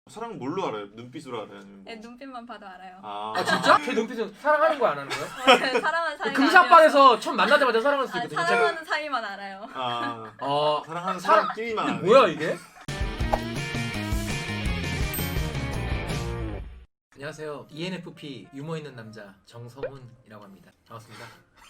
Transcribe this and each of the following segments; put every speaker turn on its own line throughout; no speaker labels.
사랑 뭘로 알아요? 눈빛으로 알아요? 아니면 뭐?
네, 눈빛만 봐도 알아요.
아 진짜? 제 눈빛은 사랑하는 거야 안 하는 거야?
사랑하는 사이만
금사빠에서 처음 만나자마자 사랑할 수 있거든요. 제가
사랑하는 사이만 알아요.
사랑하는 사람끼리만
이게
아는
뭐야 이게? 안녕하세요. ENFP 유머 있는 남자 정서훈이라고 합니다. 반갑습니다.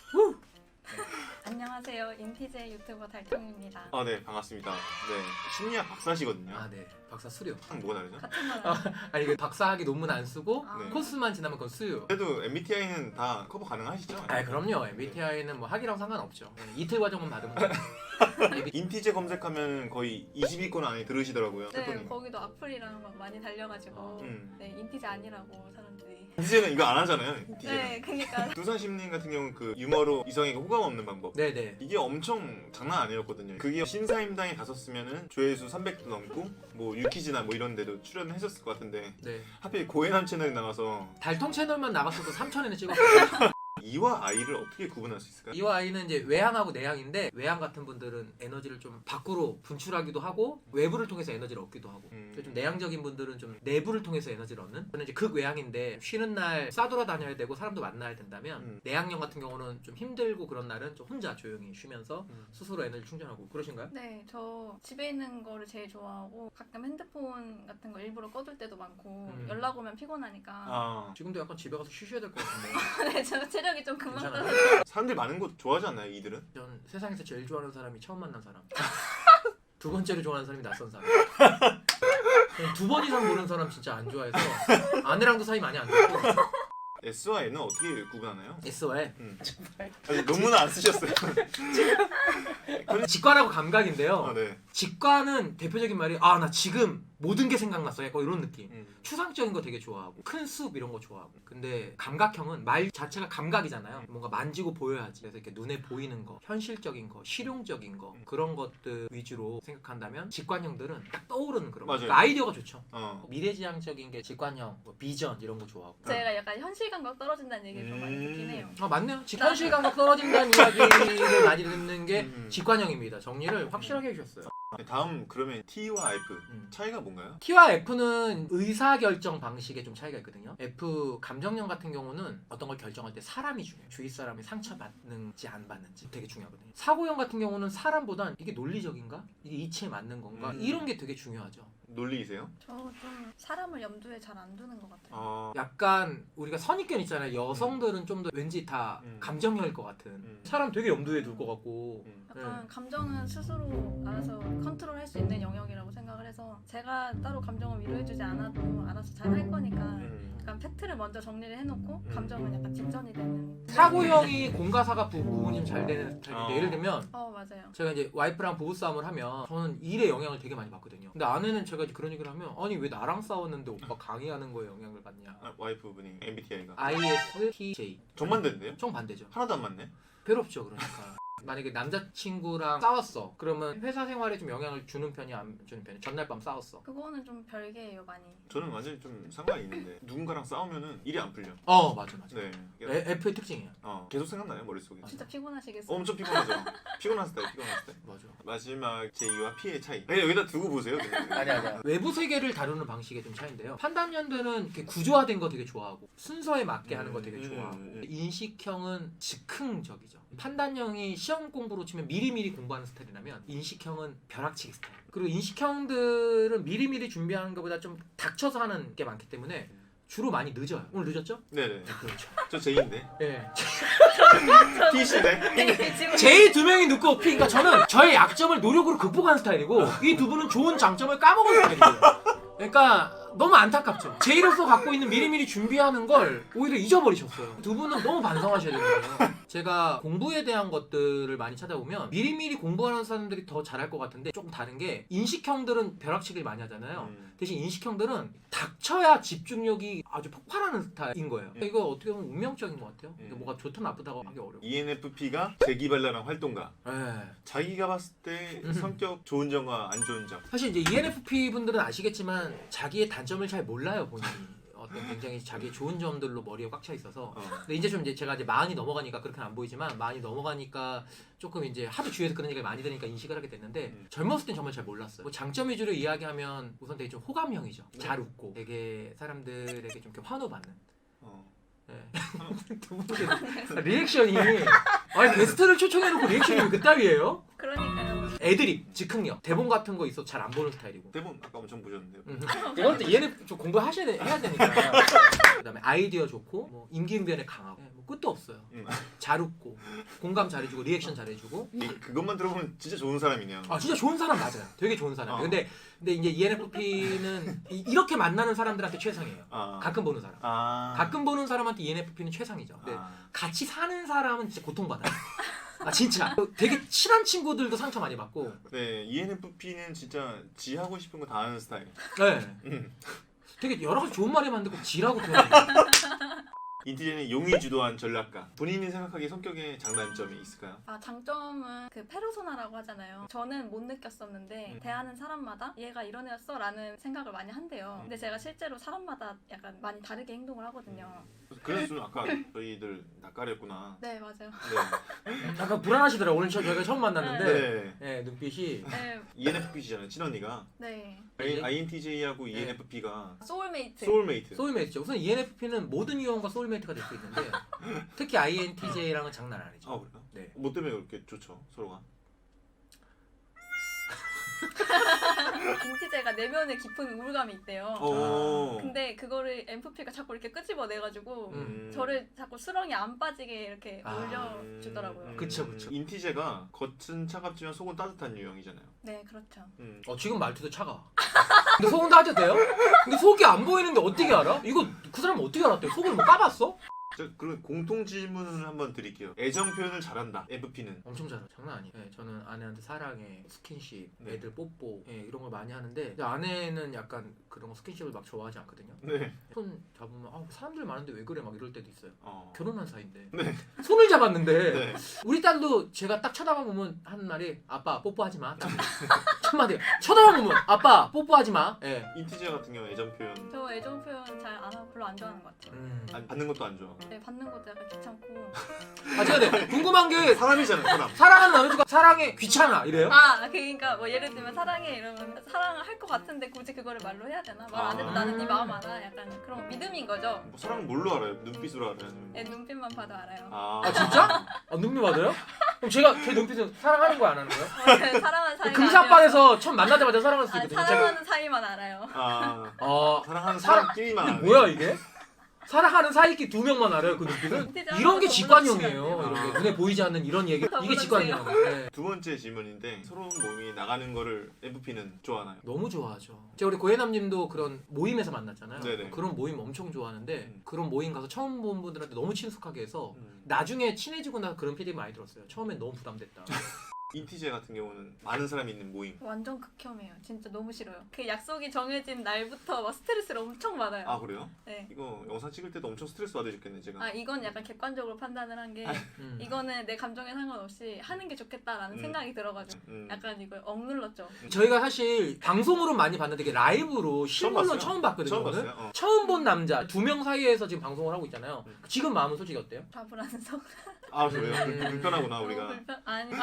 안녕하세요. 인티제 유튜버 달통입니다.
네, 반갑습니다. 네, 심리학 박사시거든요.
아 네. 박사 수료.
뭐가 다르죠?
같은 말
아니 그 박사학위 논문 안 쓰고
아.
네.
코스만 지나면 그건 수요.
그래도 MBTI는 다 커버 가능하시죠?
아 그럼요. MBTI는 뭐 학위랑 상관없죠. 네, 이틀 과정만 받으면 돼요.
인티제 검색하면 거의 20위권 안에 들으시더라고요.
네,
태권이.
거기도 악플이랑 막 많이 달려가지고 네, 인티제 아니라고 사람들이.
인티제는 이거 안 하잖아요. 인티제는.
네, 그니까
두산심리인 같은 경우는 그 유머로 이성에게 호감 없는 방법.
네네.
이게 엄청 장난 아니었거든요. 그게 신사임당에 갔었으면은 조회수 300도 넘고 뭐 유키즈나 뭐 이런 데도 출연했었을 것 같은데
네.
하필 고해남 채널에 나와서
달통 채널만 나갔어도 3,000엔에 찍었거든요.
이와 아이를 어떻게 구분할 수 있을까요?
이와 아이는 이제 외향하고 내향인데 외향 같은 분들은 에너지를 좀 밖으로 분출하기도 하고 외부를 통해서 에너지를 얻기도 하고 좀 내향적인 분들은 좀 내부를 통해서 에너지를 얻는 저는 이제 극외향인데 쉬는 날 싸돌아다녀야 되고 사람도 만나야 된다면 내향형 같은 경우는 좀 힘들고 그런 날은 좀 혼자 조용히 쉬면서 스스로 에너지 충전하고 그러신가요?
네, 저 집에 있는 거를 제일 좋아하고 가끔 핸드폰 같은 거 일부러 꺼둘 때도 많고 연락 오면 피곤하니까
지금도 약간 집에 가서 쉬셔야 될 것 같은데
네, 저 체력이 좀 금방
괜찮아요?
떨어져요.
사람들이 많은 곳 좋아하지 않나요, 이들은?
전 세상에서 제일 좋아하는 사람이 처음 만난 사람 두 번째로 좋아하는 사람이 낯선 사람 두 번 이상 보는 사람 진짜 안 좋아해서 아내랑도 사이 많이 안 좋고
S와 N은 어떻게 구분하나요?
S와의
아직 논문을 안 쓰셨어요.
직관하고 감각인데요
네.
직관은 대표적인 말이 나 지금 모든 게 생각났어 약간 이런 느낌 추상적인 거 되게 좋아하고 큰 숲 이런 거 좋아하고 근데 감각형은 말 자체가 감각이잖아요 뭔가 만지고 보여야지 그래서 이렇게 눈에 보이는 거 현실적인 거 실용적인 거 그런 것들 위주로 생각한다면 직관형들은 딱 떠오르는 그런 거
맞아요.
그러니까 아이디어가 좋죠
미래지향적인
게 직관형 뭐 비전 이런 거 좋아하고
제가 약간 현실 감각 떨어진다는 얘기를 좀 많이 듣긴 해요.
맞네요 직관실 감각 떨어진다는 이야기를 많이 듣는 게 직관형입니다 정리를 확실하게 해주셨어요
다음 그러면 T와 F 차이가 뭔가요?
T와 F는 의사결정 방식에 좀 차이가 있거든요. F 감정형 같은 경우는 어떤 걸 결정할 때 사람이 중요해요. 주위 사람이 상처받는지 안 받는지 되게 중요하거든요. 사고형 같은 경우는 사람보단 이게 논리적인가? 이게 이치에 맞는 건가? 이런 게 되게 중요하죠.
논리이세요?
저 좀 사람을 염두에 잘 안 두는 것 같아요.
약간 우리가 선입견 있잖아요. 여성들은 좀 더 왠지 다 감정형일 것 같은 사람 되게 염두에 둘 것 같고
약간 감정은 스스로 알아서 컨트롤할 수 있는 영역이라고 생각을 해서 제가 따로 감정을 위로해주지 않아도 알아서 잘 할 거니까 약간 팩트를 먼저 정리를 해놓고 감정은 약간 직전이 되는.
사고형이 공과사가 구분이 좀 잘 되는 스타일인데 예를 들면
맞아요.
제가 이제 와이프랑 부부싸움을 하면 저는 일에 영향을 되게 많이 받거든요. 근데 아내는 제가 이제 그런 얘기를 하면 아니 왜 나랑 싸웠는데 오빠 강의하는 거에 영향을 받냐.
와이프분이 MBTI가
ISTJ.
정반대인데요?
정반대죠.
하나도 안 맞네?
괴롭죠 그러니까. 만약에 남자친구랑 싸웠어. 그러면 회사 생활에 좀 영향을 주는 편이 안 주는 편이 전날 밤 싸웠어.
그거는 좀 별개예요 많이.
저는 완전히 좀 상관이 있는데 누군가랑 싸우면은 일이 안 풀려.
맞아.
네.
F의 특징이에요.
계속 생각나요 머릿속에.
진짜 피곤하시겠어요.
엄청 피곤하죠. 피곤했을 때.
맞아.
마지막 제2와 P의 차이. 그냥 여기다 두고 보세요.
아니야. 외부 세계를 다루는 방식에 좀 차이인데요. 판단연대는 이렇게 구조화된 거 되게 좋아하고 순서에 맞게 하는 거 되게 좋아하고 인식형은 즉흥적이죠. 판단형이 시험 공부로 치면 미리미리 공부하는 스타일이라면 인식형은 벼락치기 스타일. 그리고 인식형들은 미리미리 준비하는 것보다 좀 닥쳐서 하는 게 많기 때문에 주로 많이 늦어요. 오늘 늦었죠?
네네.
그렇죠.
저 J인데.
네.
T시네.
J 두 명이 늦고 P. 그러니까 저는 저의 약점을 노력으로 극복하는 스타일이고 이 두 분은 좋은 장점을 까먹은 스타일이에요. 그러니까 너무 안타깝죠. J로서 갖고 있는 미리미리 준비하는 걸 오히려 잊어버리셨어요. 두 분은 너무 반성하셔야 되는 거예요. 제가 공부에 대한 것들을 많이 찾아보면 미리미리 공부하는 사람들이 더 잘할 것 같은데 조금 다른 게 인식형들은 벼락치기를 많이 하잖아요. 대신 인식형들은 닥쳐야 집중력이 아주 폭발하는 스타일인 거예요. 이거 어떻게 보면 운명적인 것 같아요. 이게 뭐가 좋다 나쁘다고 하기 어려워.
ENFP가 재기발랄한 활동가.
네.
자기가 봤을 때 성격 좋은 점과 안 좋은 점.
사실 이제 ENFP 분들은 아시겠지만 자기의 단점을 잘 몰라요 본인이. 어떤 굉장히 자기 좋은 점들로 머리에 꽉 차 있어서
어.
근데 이제 좀 이제 제가 이제 40이 넘어가니까 그렇게는 안 보이지만 40이 넘어가니까 조금 이제 하도 주위에서 그런 얘기가 많이 들으니까 인식을 하게 됐는데 젊었을 땐 정말 잘 몰랐어요. 뭐 장점 위주로 이야기하면 우선 되게 좀 호감형이죠.
네.
잘 웃고 되게 사람들에게 좀 이렇게 환호받는.
어.
네. 두 분의 리액션이 아니 게스트를 초청해놓고 리액션이 왜 그따위예요?
그러니까요.
애드립, 즉흥력, 대본 같은 거 있어도 잘 안 보는 스타일이고.
대본 아까 엄청 보셨는데요.
이건 또 ENFP 좀 공부하셔야 해야 되니까. 그다음에 아이디어 좋고 뭐 임기응변에 강하고 뭐 끝도 없어요. 잘 웃고 공감 잘해주고 리액션 잘해주고.
그것만 들어보면 진짜 좋은 사람이네요.
아 진짜 좋은 사람 맞아요. 되게 좋은 사람.
어.
근데 이제 ENFP는 이렇게 만나는 사람들한테 최상이에요.
아.
가끔 보는 사람.
아.
가끔 보는 사람한테 ENFP는 최상이죠. 근데
아.
같이 사는 사람은 진짜 고통받아요. 아 진짜 되게 친한 친구들도 상처 많이 받고.
네, ENFP는 진짜 지 하고 싶은 거 다 하는 스타일.
네. 되게 여러 가지 좋은 말이 많은데 꼭 지라고 표현해요.
인티제는 용이 주도한 전략가. 본인이 생각하기에 성격에 장단점이 있을까요?
아, 장점은 그 페르소나라고 하잖아요. 저는 못 느꼈었는데 대하는 사람마다 얘가 이런 애였어 라는 생각을 많이 한대요. 근데 제가 실제로 사람마다 약간 많이 다르게 행동을 하거든요.
그래서 좀 아까 저희들 낯가렸구나.
네, 맞아요.
네.
약간 불안하시더라고요. 오늘 저희가 처음 만났는데
네.
네, 눈빛이
네,
ENFP시잖아요, 친언니가.
네.
INTJ하고 ENFP가
소울메이트.
소울메이트.
소울메이트죠. 우선 ENFP는 모든 유형과 소울메이트가 될 수 있는데 특히 INTJ랑은 장난 아니죠.
아 그래요?
네.
뭐 때문에 그렇게 좋죠, 서로가?
인티제가 내면에 깊은 우울감이 있대요.
오.
근데 그거를 MFP가 자꾸 이렇게 끄집어내가지고
음.
저를 자꾸 수렁이 안 빠지게 이렇게
아.
올려주더라고요.
그쵸, 그쵸.
인티제가 겉은 차갑지만 속은 따뜻한 유형이잖아요.
네, 그렇죠.
지금 말투도 차가. 근데 속은 따져도 돼요? 근데 속이 안 보이는데 어떻게 알아? 이거 그 사람 어떻게 알았대? 속을 뭐 까봤어?
자, 그럼 공통 질문을 한번 드릴게요. 애정 표현을 잘한다. FP는.
엄청 잘해. 장난 아니에요. 네, 저는 아내한테 사랑해, 스킨십,
네.
애들 뽀뽀 이런 걸 많이 하는데 근데 아내는 약간 그런 거 스킨십을 막 좋아하지 않거든요.
네.
손 잡으면 사람들 많은데 왜 그래 막 이럴 때도 있어요. 결혼한 사이인데
네.
손을 잡았는데
네.
우리 딸도 제가 딱 쳐다보면 하는 말이 아빠 뽀뽀하지 마. 첫 마디 쳐다보면 아빠 뽀뽀하지 마. 예.
인티제 같은 경우 애정 표현
저 애정 표현 잘 안 하고 별로 안 좋아하는 것 같아요.
받는 것도 안 좋아.
네, 받는 것도 약간 귀찮고.
아 제가 네, 궁금한 게
사람이잖아, 사람.
사랑하는 남자가 사랑해 귀찮아 이래요?
아, 그러니까 뭐 예를 들면 사랑해 이러면 사랑을 할 것 같은데 굳이 그거를 말로 해야 되나? 말 안 해도
아.
나는 네 마음 알아. 약간 그런 믿음인 거죠.
뭐 사람 뭘로 알아요? 눈빛으로 알아요? 아니면
네, 눈빛만 봐도 알아요.
아 진짜? 눈빛 받아요? 그럼 제가 제 눈빛은 사랑하는 거야 안 하는 거야?
사랑하는 사이가
금사빠에서 처음 만나자마자 사랑할 수
아니어서.
있거든요.
사랑하는 사이만 알아요.
사랑하는
사람-
사람끼리만
이게
아네.
뭐야 이게? 사랑하는 사이끼 두 명만 알아요 그 눈빛은?
진짜
이런 게
너무
직관형이에요.
멋지다.
이런 게 눈에 보이지 않는 이런 얘기 이게
너무
직관형. 네.
두 번째 질문인데 서로 몸이 나가는 거를 FP는 좋아하나요?
너무 좋아하죠. 제가 우리 고혜남님도 그런 모임에서 만났잖아요.
네네.
그런 모임 엄청 좋아하는데 그런 모임 가서 처음 본 분들한테 너무 친숙하게 해서
음.
나중에 친해지고 나서 그런 피드백 많이 들었어요. 처음엔 너무 부담됐다.
인티제 같은 경우는 많은 사람이 있는 모임.
완전 극혐이에요. 진짜 너무 싫어요. 그 약속이 정해진 날부터 막 스트레스를 엄청 받아요.
아 그래요?
네.
이거 영상 찍을 때도 엄청 스트레스 받으셨겠네 제가.
아, 이건 약간 객관적으로 판단을 한 게 이거는 내 감정에 상관없이 하는 게 좋겠다라는 생각이 들어가지고 약간 이걸 억눌렀죠.
저희가 사실 방송으로 많이 봤는데 이게 라이브로 실물로
봤어요?
처음 봤거든요.
처음
오늘.
봤어요?
처음 본 남자 두 명 사이에서 지금 방송을 하고 있잖아요. 지금 마음은 솔직히 어때요?
좌불안석.
아 그래요? 불편하구나 우리가.
너무 불편. 아니.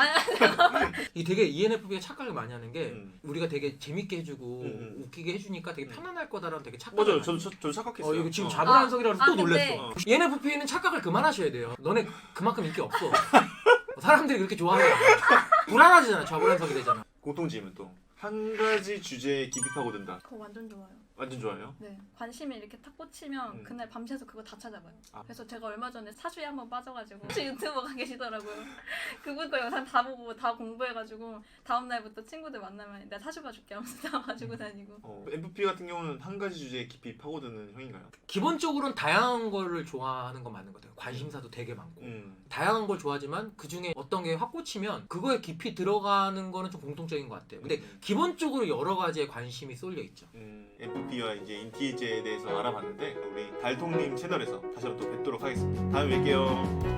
이 되게 ENFP가 착각을 많이 하는 게
음.
우리가 되게 재밌게 해주고 웃기게 해주니까 되게 편안할 거다라는 되게 착각.
맞아요. 저도 착각했어요.
이거 지금
어.
좌불안석이라서 또
근데-
놀랬어. ENFP는 착각을 그만하셔야 돼요. 너네 그만큼 인기 없어. 사람들이 그렇게 좋아하잖아. 불안하잖아. 좌불안석이 되잖아.
공통 질문 또. 한 가지 주제에 깊이 파고든다.
그거 완전 좋아요.
완전 좋아요.
네. 관심이 이렇게 탁 꽂히면 그날 밤새서 그거 다 찾아봐요.
아.
그래서 제가 얼마 전에 사주에 한번 빠져가지고 혹시 유튜버가 계시더라고요. 그분 거 영상 다 보고 다 공부해가지고 다음 날부터 친구들 만나면 내가 사주 봐줄게 하면서 다 봐주고 다니고.
FP 같은 경우는 한 가지 주제에 깊이 파고드는 형인가요?
기본적으로는 다양한 거를 좋아하는 건 맞는 것 같아요. 관심사도 되게 많고. 다양한 걸 좋아하지만 그 중에 어떤 게 확 꽂히면 그거에 깊이 들어가는 거는 좀 공통적인 것 같아요. 근데 기본적으로 여러 가지의 관심이 쏠려 있죠.
FP와 이제 인티제에 대해서 알아봤는데 우리 달통님 채널에서 다시 한번 또 뵙도록 하겠습니다. 다음에 뵐게요.